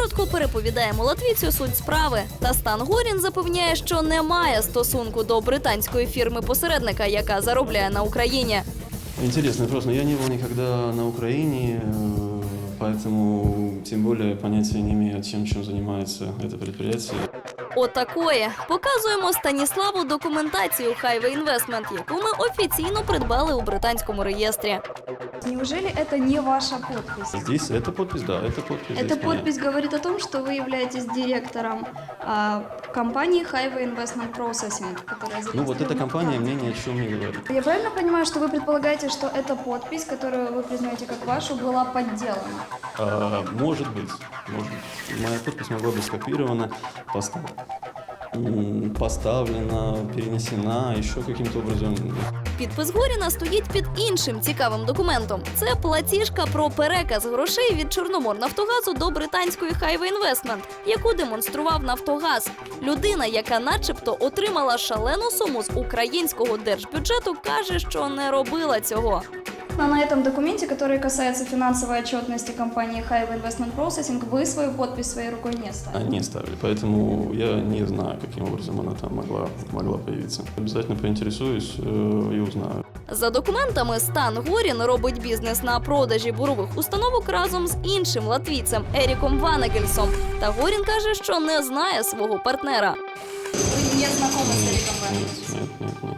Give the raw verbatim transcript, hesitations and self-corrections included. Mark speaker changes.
Speaker 1: коротко переповідаємо латвійцю суть справи. Та Стан Горін запевняє, що не має стосунку до британської фірми-посередника, яка заробляє на Україні.
Speaker 2: Интересный вопрос, но я не был никогда на Украине, э, поэтому тем более понятия не имею, чем, чем занимается это предприятие.
Speaker 1: Отакої. Показуємо Станіславу документацію Highway Investment, яку ми офіційно придбали у британському реєстрі.
Speaker 3: Неужели это не ваша подпись?
Speaker 2: Здесь эта подпись, да, это подпись.
Speaker 3: Эта
Speaker 2: здесь моя.
Speaker 3: подпись говорит о том, что вы являетесь директором а, компании Highway Investment Processing, которая
Speaker 2: Ну вот эта
Speaker 3: зарегистрирована
Speaker 2: компания
Speaker 3: в
Speaker 2: мне
Speaker 3: Франции.
Speaker 2: ни о чем не говорит.
Speaker 3: Я правильно понимаю, что вы предполагаете, что эта подпись, которую вы признаете как вашу, была подделана?
Speaker 2: А, может быть, может быть. Моя подпись могла быть скопирована, постав- м, поставлена, перенесена еще каким-то образом.
Speaker 1: Підпис Горіна стоїть під іншим цікавим документом. Це платіжка про переказ грошей від Чорноморнафтогазу до британської Highway Investment, яку демонстрував Нафтогаз. Людина, яка начебто отримала шалену суму з українського держбюджету, каже, що не робила цього.
Speaker 3: Но на этом документе, который касается финансовой отчетности компании Highway Investment Processing, вы свою подпись своей рукой не ставили.
Speaker 2: Они ставили, поэтому я не знаю, каким образом она там могла, могла появиться. Обязательно поинтересуюсь э, и узнаю.
Speaker 1: За документами, Стан Горін робить бізнес на продажі бурових установок разом з іншим латвійцем Еріком Ванегельсом. Та Горін каже, що не знає свого партнера.
Speaker 3: Вы не знакомы с Эриком
Speaker 2: Нет,
Speaker 3: Ванегельсом?
Speaker 2: нет, нет, нет.